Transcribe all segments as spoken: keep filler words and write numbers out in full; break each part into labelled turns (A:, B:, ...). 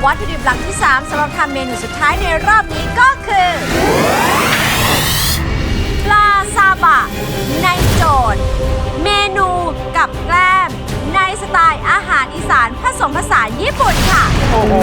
A: วัตถุดิบหลักที่สามสำหรับทำเมนูสุดท้ายในรอบนี้ก็คือปลาซาบะในโจทย์เมนูกับแกล้มในสไตล์อาหารอีสานผสมผสานญี่ปุ่นค่ะโอ้โห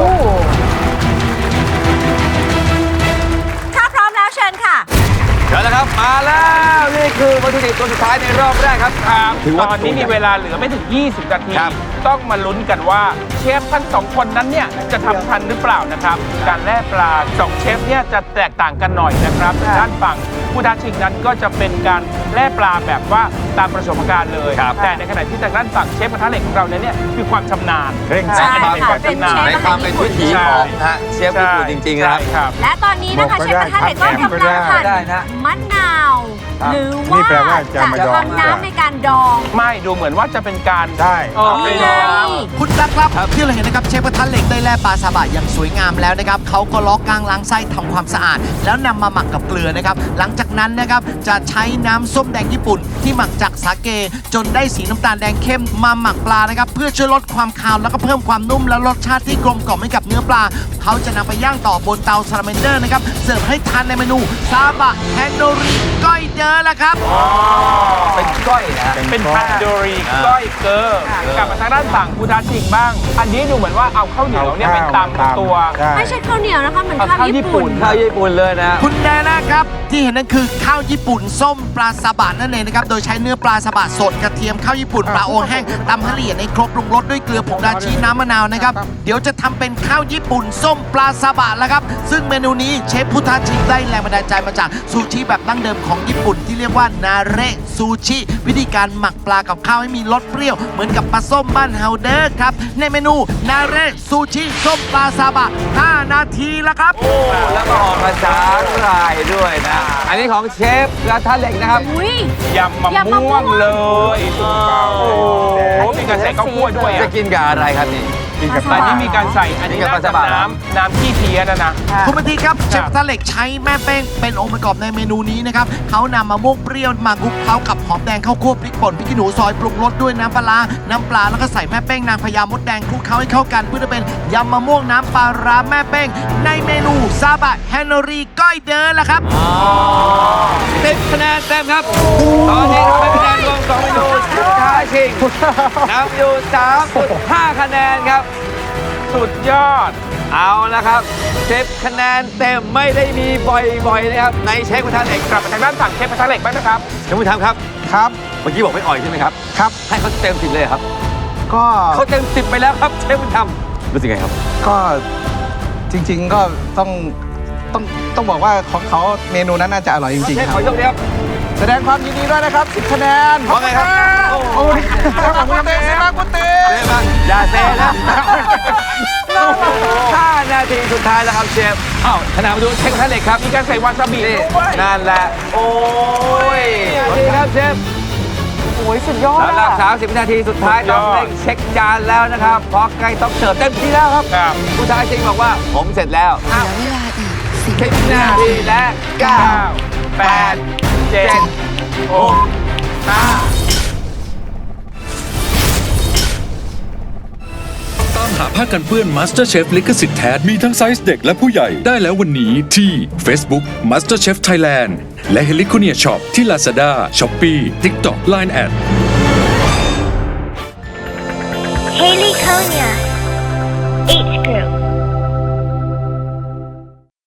A: ถ้าพร้อมแล้วเชิญค่ะ
B: เชิญแล้วครับมาแล้วนี่คือวัตถุดิบตัวสุดท้ายในรอบแรกครับ
C: ครับตอนนี้มีเวลาเหลือไม่ถึงยี่สิบนาทีต้องมาลุ้นกันว่าเชฟทั้งสองคนนั้นเนี่ยจะทำทันหรือเปล่านะครับการแล่ปลาสองเชฟเนี่ยจะแตกต่างกันหน่อยนะครับด้านฝั่งผู้ท้าชิงนั้นก็จะเป็นการแล่ปลาแบบว่าตามประสบการณ์เลยแต่ในขณะที่ทางด้านฝั่งเชฟกระทะเหล็กของเราเนี่ยคือความชำนาญ
B: เร่งใช่ค่ะเป็นเชฟในความเป็นวิถีของเชฟญี่ปุ่นจริงๆนะครับ
A: และตอนนี้นะคะเชฟกระทะเหล็กก็กำลังหั่นมะนาวหรือว่าจะทำน้ำในการดอง
C: ไม่ดูเหมือนว่าจะเป็นการ
B: ใช่
D: คุณตั๊กครับที่เราเห็นนะครับเชฟกระทะเหล็กได้แล่ปลาซาบะอย่างสวยงามแล้วนะครับเขาก็ล้อกลางล้างไส้ทำความสะอาดแล้วนำมาหมักกับเกลือนะครับหลังจากนั้นนะครับจะใช้น้ำส้มแดงญี่ปุ่นที่หมักจากสาเกจนได้สีน้ำตาลแดงเข้มมาหมักปลานะครับเพื่อช่วยลดความคาวแล้วก็เพิ่มความนุ่มและรสชาติที่กลมกล่อมให้กับเนื้อปลาเขาจะนำไปย่างต่อบนเตาซาลาเมนเดอร์นะครับเสิร์ฟให้ทานในเมนูซาบะแฮนโดริก้อยเดอร์ละครับ
B: เป็นก้อยนะ
C: เป็นพันโดรีก้อยเกอร์กลับมาทางด้านฝั่งผู้ท้าชิงบ้างอันนี้ดูเหมือนว่าเอาข้าวเหนียวเนี่ยเป็นตำตัว
A: ไม่ใช่ข้าวเหนียวนะคะเหมือนข้าวญี่ปุ่น
B: ข้าวญี่ปุ่นเลยนะ
D: คุณแดนะครับที่เห็นนั่นคือข้าวญี่ปุ่นส้มปลาซาบะนั่นเองนะครับโดยใช้เนื้อปลาซาบะสดกระเทียมข้าวญี่ปุ่นปลาโอแห้งตำให้ละเอียดในครกปรุงรสด้วยเกลือผงดาชิน้ำมะนาวนะครับเดี๋ยวจะทำเป็นข้าวญี่ปุ่นส้มปลาซาบะแล้วครับซึ่งเมนูนี้เชฟพุทธาชิงได้แรงบันดาลใจมาจากซูชิแบบดั้งเดิมของญี่ปุ่นที่เรียกว่านาเระซูชิวิธีการหมักปลากับข้าวให้มีรสเปรี้ยวเหมือนกับปลาส้มบ้านเฮาเดอร์ครับในเมนูนาเระซูชิส้มปลาซาบะห้านาทีแล้วครับ
B: โอ้แล้วก็ออกมาสาหร่ายด้วยนะอันนี้ของเชฟกระทะเหล็กนะครับ
C: ยำมะม่วงเลยโอ้โหมีการใส่ข้าวคั่วด้วย
B: จะกินกับอะไรครับนี่
C: กินกับแต่นี่มีการใส่อันนี้น่าจะน้ำน้ำขี้เพี้ยนะนะ
D: คุณปฏิครับเชฟกระทะเหล็กใช้แม่แป้งเป็นองค์ประกอบในเมนูนี้นะครับเขานำมะม่วงเปรี้ยวมาคลุกเคล้ากับหอมแดงข้าวคั่วพริกป่นพริกขี้หนูซอยปรุงรสด้วยน้ำปลาน้ำปลาแล้วก็ใส่แม่แป้งนางพญามดแดงคลุกเคล้าให้เข้ากันเพื่อจะเป็นยำมะม่วงน้ำปลาร้าแม่แป้งในเมนูซาบะแฮนโนรีก้อยเดอร์ละครับ
B: สิบคะแนนเต็มครับตอนนี้ทำให้คะแนนรวมสองเมนูสุดท้ายชิงนำอยู่ สามจุดห้า คะแนนครับ
C: สุดยอด
B: เอาละครับสิบคะแนนเต็มไม่ได้มีบ่อยๆนะครับในเชฟกระทะเหล็ก
C: กลับมาทางด้านฝั่งเชฟกระทะเหล็กบ้างนะครับ
B: เชฟผู้ทำครับ
E: ครับ
B: เมื่อกี้บอกไม่อ่อยใช่ไหมครับ
E: ครับ
B: ให้เขาเต็มสิบเลยครับ
E: ก็
B: เขาเต็มสิบไปแล้วครับเชฟผู้ทำรู้สึกไงครับ
E: ก็จริงๆก็ต้องต้องต้องบอกว่าของเขาเมนูนั้นน่าจะอร่อยจริงๆครับ
B: ขอโชคดีครับ
E: แสดงความยินดีด้วยนะครับสิบคะแนน
B: ว่าไงครับ
E: โอ้โหขอบคุณเต้สิมาคุณเต้
B: อย่าเซ่นะห้านาทีสุดท้ายแล้วครับเชฟอ้าวขณะมาดูเชฟกระทะเหล็กครับ
C: มีการใส่วาซาบิด้วย
B: นั่นแหละโอ้ยดีครับเชฟ
A: โอ้ยสุดยอด
B: สำหรับสามสิบนาทีสุดท้ายต้องเร่งเช็คจานแล้วนะครับเพราะใกล้ต้องเสิร์ฟเต็มที่แล้วครับผู้ชายจริงบอกว่าผมเสร็จแล้ว
A: เหลือเวลาอีก
B: สิบนาทีและเก้า แปด เจ็ด หก ห้า
F: ตามหาผ้ากันเปื้อน MasterChef ลิขสิทธิ์แท้มีทั้งไซส์เด็กและผู้ใหญ่ได้แล้ววันนี้ที่ Facebook MasterChef Thailand และ Heliconia Shop ที่ Lazada, Shopee, TikTok, ไลน์ แอท
G: Heliconia